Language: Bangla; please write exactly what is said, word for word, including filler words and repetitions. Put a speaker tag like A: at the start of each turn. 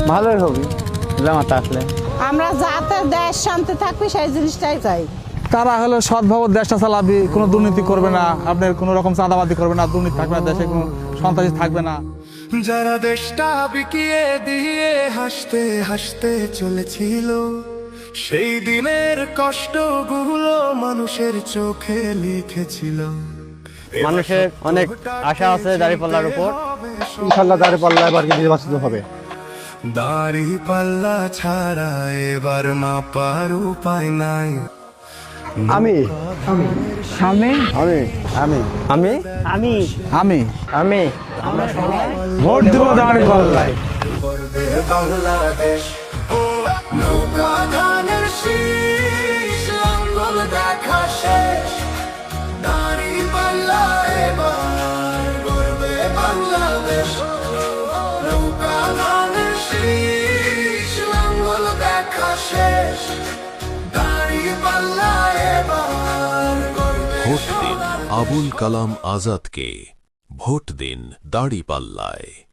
A: ভালোই হবে জামাতে আসলে।
B: আমরা যাতে দেশ শান্তি থাকবে সেই জিনিসটাই চাই।
C: তারা হলো সৎভাবে দেশটা চালাবি, কোনো দুর্নীতি করবে না, আপনার কোনো রকম চাঁদাবাদি করবে না, দুর্নীতি থাকবে না, দেশে কোনো সন্ত্রাসী থাকবে না।
D: যারা দেশটা বিকিয়ে দিয়ে হাসতে হাসতে চলেছিল, সেই দিনের কষ্টগুলো মানুষের চোখে লিখেছিল।
A: মানুষের অনেক আশা আছে দাঁড়িপাল্লার উপর।
E: ইনশাল্লাহ দাঁড়িপাল্লা এবার নির্বাচিত হবে।
D: দাঁড়িপাল্লা ছাড়া এবার মাপার উপায় নাই।
E: আমি
A: আমি
E: আমি
A: আমি
C: আমি
A: আমি
C: আমি
A: আমি
C: ভোট দেব দাঁড়িপাল্লায়।
D: করবে বাংলাদেশ নৌকা ধানের শীষ, লাঙ্গল দেখা শেষ। দাঁড়িপাল্লা এবার গড়বে বাংলাদেশ। নৌকা ধানের শীষ, লাঙ্গল দেখা শেষ। দাঁড়িপাল্লা এবার গড়বে
F: ভোট দিন আবুল কালাম আজাদকে, ভোট দিন দাঁড়িপাল্লায়।